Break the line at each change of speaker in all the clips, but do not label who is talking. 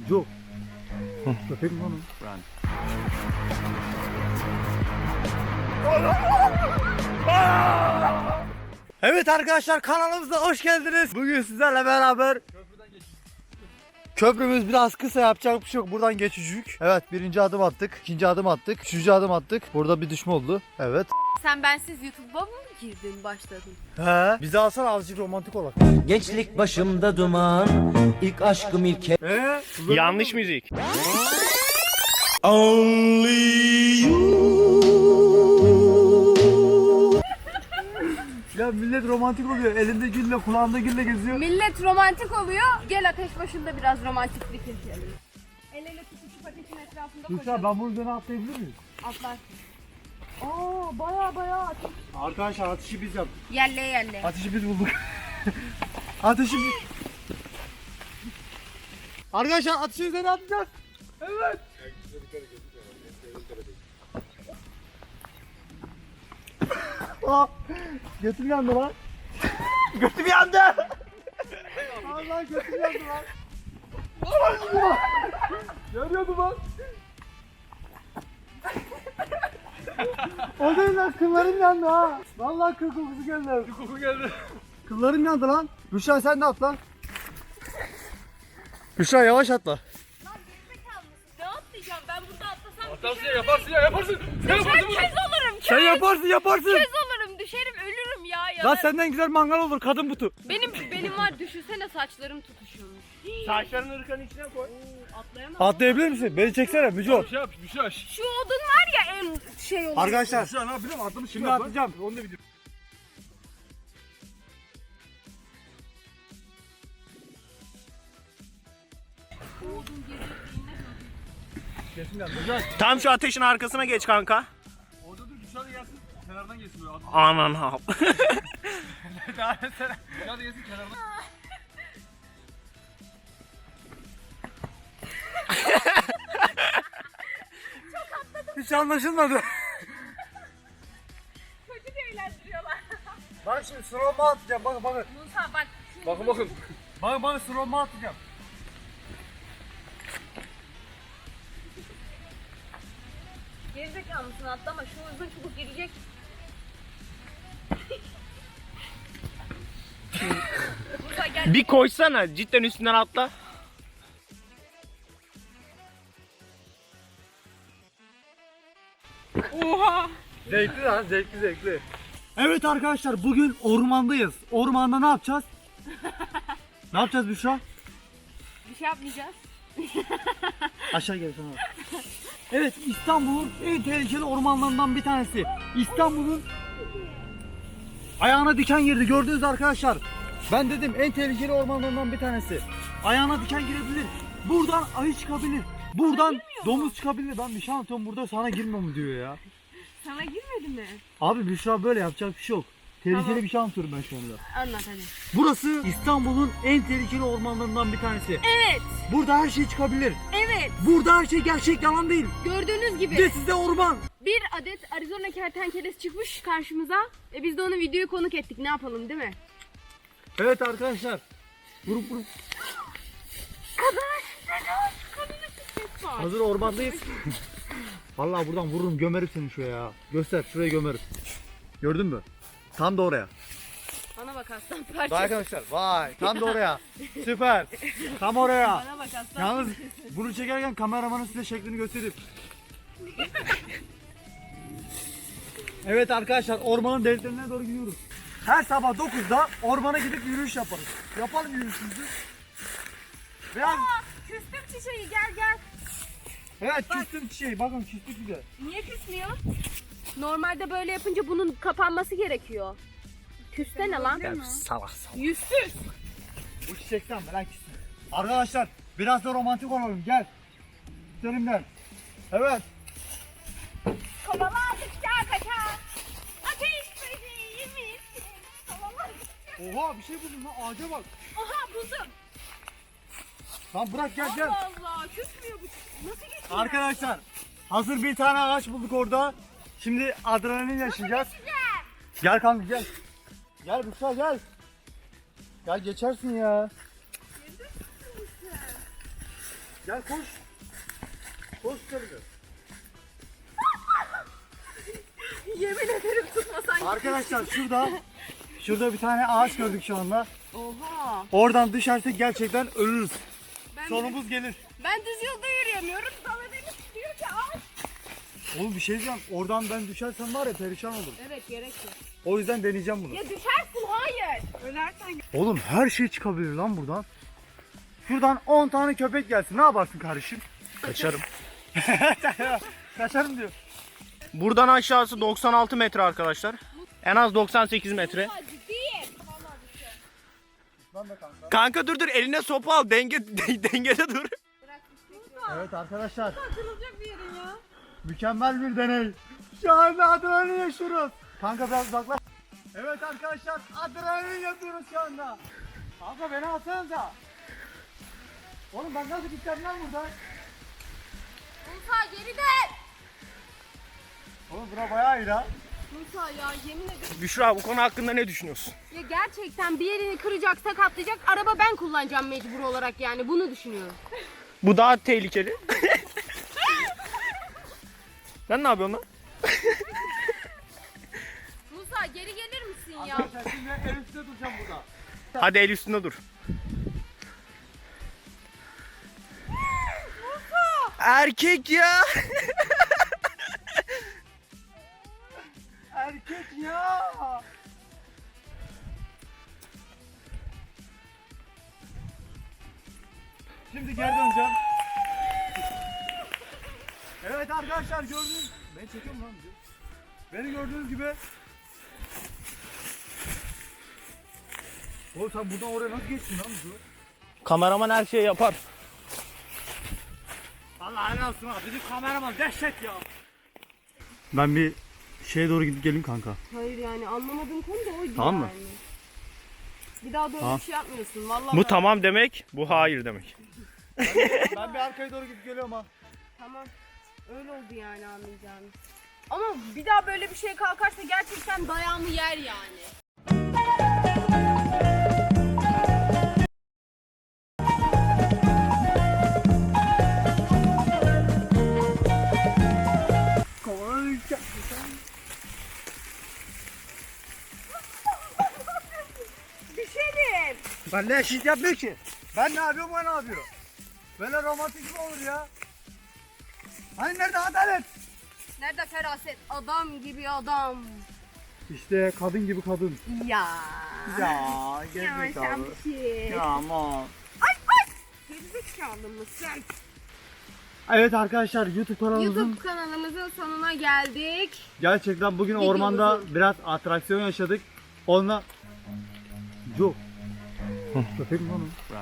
Joe. Köpek mi lan o? Evet arkadaşlar, kanalımıza hoş geldiniz. Bugün sizlerle beraber köprümüz biraz kısa, yapacak bir şey yok. Buradan geçecek. Evet, birinci adım attık, ikinci adım attık, üçüncü adım attık. Burada bir düşme oldu. Evet.
Sen bensiz YouTube'a mı girdin, başladın?
He. Bizi alsana, azıcık romantik olarak.
Gençlik başımda duman, ilk aşkım ilk
Yanlış müzik.
Ya millet romantik oluyor. Elinde gülle, kulağında gülle geziyor.
Millet romantik oluyor. Gel ateş başında biraz romantiklik yaşayalım. El ele tutuşup ateşin etrafında
Lütfen,
koşalım.
ben bunun üzerine atlayabilir miyim?
Atlarsın. Aa, baya ateş.
Arkadaşlar, ateşi biz yaptık.
Yerle.
Ateşi biz bulduk. Ateşi biz... Arkadaşlar, ateşi üzerine atacağız. Evet. Aa, götüm yandı lan. Götüm yandı. Allah, götüm yandı lan. Allah, yanıyordu lan. O değil lan, kıllarım yandı ha. Vallahi kıl kokusu geldi. Koku geldi. Kıllarım yandı lan. Büşra, sen de atla. Büşra, yavaş atla.
Lan gerizekalı mısın? Ne atlayacağım? Ben burada atlasam
Atarsın ya, yaparsın.
Ben köz olurum.
Sen yaparsın.
Köz olurum. Düşerim, ölürüm ya.
Lan senden güzel mangal olur, kadın butu.
Benim var, düşünsene saçlarım tutuşuyormuş.
Saçlarını ırkanın içine koy.
Atlayamam.
Atlayabilir misin? Beni çeksene Müco.
Bir şey yap.
Şu odun var ya, en şey olur.
Arkadaşlar,
Şu an ne yapayım? Atlamış
şimdi atlayacağım.
Onu da biliyorum. Tam şu ateşin arkasına geç kanka.
Orada dur, dışarı gelsin, kenardan gelsin böyle.
Anan ha.
Daha mesela, dışarı gelsin, kenardan. Hiç anlaşılmadı.
Çocuk eğlendiriyorlar.
Bak şimdi slow'ma atacağım, bakın.
Musa bak.
Bakın.
Bakın slow'ma atacağım.
Gerizekalı mısın, atlama. Şu uzun çubuk girecek. Musa gel.
Bir koşsana, cidden üstünden atla.
Oha.
Zevkli lan, zevkli. Evet arkadaşlar, bugün ormandayız. Ormanda ne yapacağız? Ne yapacağız Büşra?
Bir şey yapmayacağız.
Aşağı gel sana. Evet, İstanbul'un en tehlikeli ormanlarından bir tanesi. İstanbul'un ayağına diken girdi, gördünüz arkadaşlar. Ben dedim, en tehlikeli ormanlarından bir tanesi. Ayağına diken girebilir. Buradan ayı çıkabilir. Buradan domuz çıkabilir. Ben bir şey anlatıyorum burada, sana girme mi diyor ya.
Sana girmedi mi?
Abi Büşra, böyle yapacak bir şey yok. Tehlikeli
Tamam.
bir şey anlatıyorum ben şu anda.
Anlat hadi.
Burası İstanbul'un en tehlikeli ormanlarından bir tanesi.
Evet.
Burada her şey çıkabilir.
Evet.
Burada her şey gerçek, yalan değil.
Gördüğünüz gibi
Ve size orman.
bir adet Arizona kertenkelesi çıkmış karşımıza. Biz de onu videoyu konuk ettik. Ne yapalım, değil mi?
Evet arkadaşlar. Grup. Hazır ormandayız. Vallahi buradan vururum, gömerim seni şuraya ya. Göster, şuraya gömerim. Gördün mü? Tam da oraya.
Bana bak aslan
Vay
parçası.
arkadaşlar, vay. Tam da oraya. Süper. Tam oraya.
Bana bak aslan.
Yalnız bunu çekerken kameramanın size şeklini göstereyim. Evet arkadaşlar, ormanın deliklerine doğru gidiyoruz. Her sabah 9'da ormana gidip yürüyüş yaparız. Yapalım yürüyüşümüzü. Biraz...
Küstüm çiçeği, gel.
Evet, küstüm çiçeği. Bakın, küstük bir de.
Niye küsmüyor? Normalde böyle yapınca bunun kapanması gerekiyor. Küssene lan.
Salak.
Yüzsüz.
Bu çiçekten merak küstüm. Arkadaşlar, biraz da romantik olalım. Gel. Üstlerimden. Evet.
Kovaladıkça kaçar. Ateş böceği misin? Kovaladıkça.
Oha, bir şey buldum lan, ağaca bak.
Aha, buldum.
Tamam, bırak, gel.
Allah Allah, küsmüyor bu. Nasıl geçiyor?
Arkadaşlar, hazır bir tane ağaç bulduk orada. Şimdi adrenalin yaşayacağız. Gel kanka, gel. Gel Büşra, gel. Gel, geçersin ya. Gel koş. Koş şöyle.
Yemin ederim tutmasan.
Arkadaşlar şurada bir tane ağaç gördük şu anda.
Oha.
Oradan düşersek gerçekten ölürüz.
Ben,
Sonumuz gelir.
ben düz yolda yürüyemiyorum. Sana beni tutuyor ki ağaç.
Oğlum bir şey diyeceğim. Oradan ben düşersem var ya perişan olurum.
Evet gerek yok.
O yüzden deneyeceğim bunu.
Ya düşersin hayır. Ölersen.
Oğlum her şey çıkabilir lan buradan. Şuradan 10 tane köpek gelsin. Ne yaparsın kardeşim?
Kaçarım.
Kaçarım diyor.
Buradan aşağısı 96 metre arkadaşlar. En az 98 metre.
Ciddiyim.
Lan da kanka.
Kanka dur eline sopa al. Dengede dur.
Evet arkadaşlar.
Kırılacak bir yerin ya.
Mükemmel bir deney. Şu anda adrenalin yaşıyoruz. Kanka biraz uzaklaş. Evet arkadaşlar adrenalin yapıyoruz şu anda. Kanka beni alsanıza. Oğlum ben nasıl gideceğim lan buradan?
Musa geri dön.
Oğlum bura bayağı iyi lan.
Musa ya yemin ederim.
Büşra bu konu hakkında ne düşünüyorsun?
Ya gerçekten bir yerini kıracak, sakatlayacak. Araba ben kullanacağım mecbur olarak yani. Bunu düşünüyorum.
Bu daha tehlikeli. Sen ne yapıyorsun lan?
Musa geri gelir misin ya?
Arkadaşlar şimdi el üstüne duracağım burada.
Hadi el üstünde dur. Erkek ya.
Erkek ya. Şimdi geri döneceğim. Evet arkadaşlar gördüğünüz... Beni çekiyor mu lan video? Beni gördüğünüz gibi... Oğlum sen buradan oraya nasıl geçtin lan video?
Kameraman her şeyi yapar.
Allah helal olsun ha. Bizim kameraman dehşet ya. Ben bir şeye doğru gidip geleyim kanka.
Hayır yani anlamadığım konu da oydu
Tamam mı?
yani. Bir daha böyle
Tamam.
bir şey yapmıyorsun vallahi.
Bu tamam demek, bu hayır demek.
Ben bir arkaya doğru gidip geliyorum ha.
Tamam. Öyle oldu yani anlayacağınız. Ama bir daha böyle bir şeye kalkarsa gerçekten dayağımı yer yani. Düşerim.
Ben ne eşit yapmıyor ki? Ben ne yapıyorum o ne yapıyor? Böyle romantik mi olur ya? Hani nerede adalet?
Nerede feraset? Adam gibi adam.
İşte kadın gibi kadın.
Ya.
Ya
Ya
gerizekalı.
sen bir şey.
Ya aman.
Gerizekalı mısın?
Evet arkadaşlar YouTube kanalımızın
YouTube kanalımızın sonuna geldik.
gerçekten bugün
Videomuzun.
ormanda biraz atraksiyon yaşadık. Onunla... Yok. Köpek mi lan o?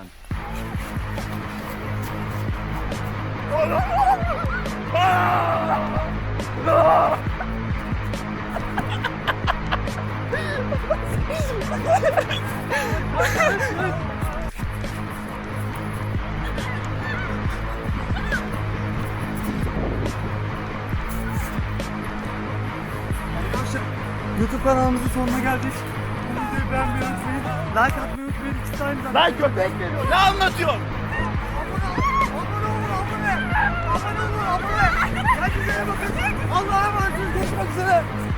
Arkadaşlar YouTube kanalımızın sonuna geldik. Bu videoyu beğenmeyi unutmayın. Like atmayı unutmayın. İki tane zaten.
Lan köpek geliyor. Ne anlatıyorsun?
Abone olun. Kendinize iyi bakın. Allah'a emanet olun. Görüşmek üzere.